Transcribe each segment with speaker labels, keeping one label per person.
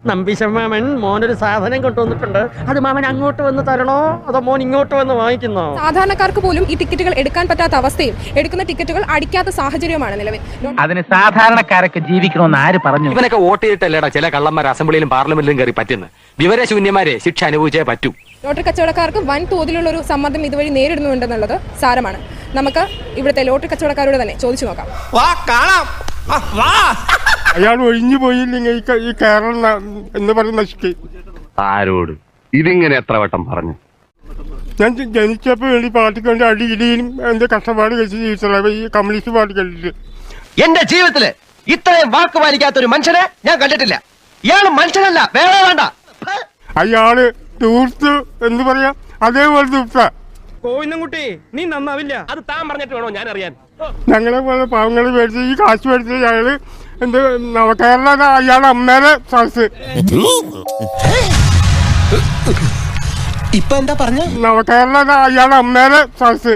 Speaker 1: നമ്പിശമാമൻ മോനൊരു സാധനം കൊണ്ടുവന്നിട്ടുണ്ട്. അത് മാമൻ അങ്ങോട്ട് വന്ന് തരണോ അതോ മോൻ ഇങ്ങോട്ട് വന്ന് വാങ്ങിക്കുന്നോ?
Speaker 2: സാധാരണക്കാർക്ക് പോലും ഈ ടിക്കറ്റുകൾ എടുക്കാൻ പറ്റാത്ത അവസ്ഥയും എടുക്കുന്ന ടിക്കറ്റുകൾ അടിക്കാത്ത സാഹചര്യവുമാണ് നിലവിൽ.
Speaker 3: അതിന് സാധാരണക്കാരൊക്കെ ജീവിക്കണമെന്ന് ആര് പറഞ്ഞു?
Speaker 4: ഇവനൊക്കെ വോട്ട് ചെയ്തിട്ടല്ലേടാ ചില കള്ളന്മാർ അസംബ്ലിയിലും പാർലമെന്റിലും കയറി പറ്റുന്നത്. വിവരശൂന്യന്മാരെ ശിക്ഷ അനുഭവിച്ചേ പറ്റൂ.
Speaker 2: ലോട്ടറി കച്ചവടക്കാർക്ക് വൻ തോതിലുള്ള ഒരു സമ്മർദ്ദം ഇതുവഴി നേരിടുന്നുണ്ടെന്നുള്ളത് സാരമാണ്. നമുക്ക് ഇവിടുത്തെ ലോട്ടറി കച്ചവടക്കാരോട് തന്നെ ചോദിച്ചു നോക്കാം.
Speaker 5: അയാൾ ഒഴിഞ്ഞു പോയില്ലെങ്കിൽ ഈ കേരളം എന്ന് പറഞ്ഞ് നശിക്കും.
Speaker 4: ആരോട് ഇതിങ്ങനെ എത്ര വട്ടം പറഞ്ഞു?
Speaker 5: ഞാൻ ജനിച്ചപ്പോൾ വേണ്ടി പാർട്ടിക്ക് വേണ്ടി അടിയിടിയും എന്റെ കഷ്ടപ്പാട് കഴിച്ച് ജീവിച്ചത് ഈ കമ്മ്യൂണിസ്റ്റ് പാർട്ടി കണ്ടിട്ട്.
Speaker 6: എന്റെ ജീവിതത്തില് ഇത്രയും വാക്ക് പാലിക്കാത്ത ഒരു മനുഷ്യനെ ഞാൻ കണ്ടിട്ടില്ല. ഇയാള് മനുഷ്യനല്ല, വേറെ വേണ്ട.
Speaker 5: അയാള് തൂർത്ത് എന്ന് പറയാ, അതേപോലെ തൂർത്ത.
Speaker 1: കോയിന്നുംകുട്ടി നീ നന്നാവില്ല.
Speaker 4: അത് താൻ പറഞ്ഞിട്ട് വേണോ ഞാൻ അറിയാൻ?
Speaker 5: ഞങ്ങളെ പോലെ പാവങ്ങളെ മേടിച്ച് ഈ കാശ് മേടിച്ച് അയാള് എന്ത് നവകേരള അയാളുടെ അമ്മേരെ സദസ്
Speaker 6: ഇപ്പൊ എന്താ പറഞ്ഞ?
Speaker 5: നവകേരള അയാളുടെ അമ്മേരെ സദസ്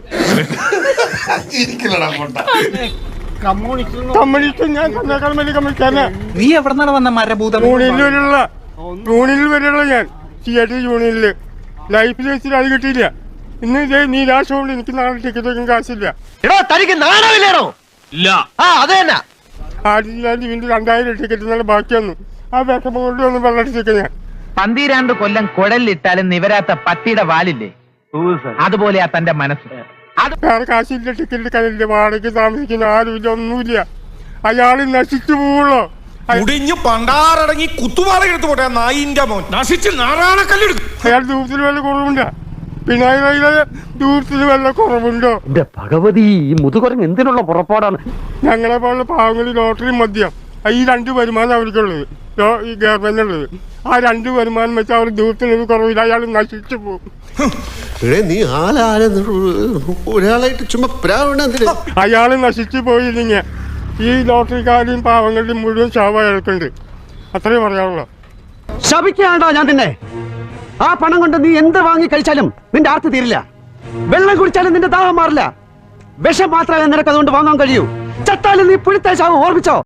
Speaker 5: കമ്മ്യൂണിസ്റ്റ്. ഞാൻ തന്നേക്കാളും വലിയ കമ്മ്യൂണിസ്റ്റ്.
Speaker 3: നീ എവിടെ വന്ന മരഭൂതം?
Speaker 5: യൂണിയനിൽ വരെയുള്ള ഞാൻ തിയേറ്റർ യൂണിയനില് ലൈഫ് വെച്ചിട്ട് അത് കിട്ടിയില്ല. ഇന്ന് ഇതേ നീ രാഷ്ട്രമുണ്ട്, എനിക്ക് നാളെ ടിക്കറ്റ് വെക്കാൻ കാശില്ല.
Speaker 6: എടോ തനിക്ക് നാണമില്ലേണോ? ഇല്ല. ആ അത് തന്നെ.
Speaker 5: 2000 ടിക്കറ്റ് നല്ല ബാക്കി വന്നു. ആ വിഷമം കൊണ്ട് ഒന്ന് വെള്ളടിച്ചേക്ക ഞാൻ.
Speaker 3: 12 കൊല്ലം കുഴലിട്ടാലും നിവരാത്ത പട്ടിയുടെ വാലില്ലേ, അതുപോലെയാ തന്റെ മനസ്സ്.
Speaker 5: വേറെ കാശില്ല, ടിക്കറ്റ് എടുക്കാനില്ല, വാടകയ്ക്ക് താമസിക്കുന്ന ആരുമില്ല, ഒന്നുമില്ല. അയാൾ നശിച്ചു പോവുള്ളോ?
Speaker 7: മുടിഞ്ഞു പണ്ടാറടങ്ങി കുത്തുപാറ എടുത്തു പോട്ടെ നായിന്റെ മോൻ നശിച്ച് നാറാണക്കല്ലെടുക്കും.
Speaker 5: അയാൾ ദൂരത്തിൽ വല്ല കുറവുണ്ടോ? പിണറായിയിലെ ദൂരത്തിൽ വല്ല കുറവുണ്ടോ?
Speaker 1: എന്റെ ഭഗവതി, ഈ മുതുകുരങ്ങ് എന്തിനുള്ള പുറപ്പാടാണ്?
Speaker 5: ഞങ്ങളെ പോലുള്ള പാവങ്ങൾ ലോട്ടറി മദ്യം ഈ 2 വരുമാനം അവർക്കുള്ളത്, ഈ ഗവൺമെന്റിനുള്ളത്. ആ 2 വരുമാനം വെച്ചാൽ അവർ ദൂരത്തിന് കുറവില്ല. അയാൾ നശിച്ചു പോകും.
Speaker 8: നീ ഒരാളായിട്ട് ചുമ്മാ
Speaker 5: അയാൾ നശിച്ചു പോയില്ലെങ്കിൽ ഈ ലോട്ടറിക്കാരെയും പാവങ്ങളുടെയും മുഴുവൻ ശവം അയാൾക്കുണ്ട്. അത്രയും പറയാനുള്ളൂ.
Speaker 1: ശപിക്കാണ്ടോ ഞാൻ നിന്നെ? ആ പണം കൊണ്ട് നീ എന്ത് വാങ്ങി കഴിച്ചാലും നിന്റെ ആർത്തി തീരില്ല. വെള്ളം കുടിച്ചാലും നിന്റെ ദാഹം മാറില്ല. വിഷം മാത്രമേ നിനക്ക് അതുകൊണ്ട് വാങ്ങാൻ കഴിയൂ. ചത്താലും നീ പുഴുത്ത ശവം, ഓർമ്മിച്ചോ?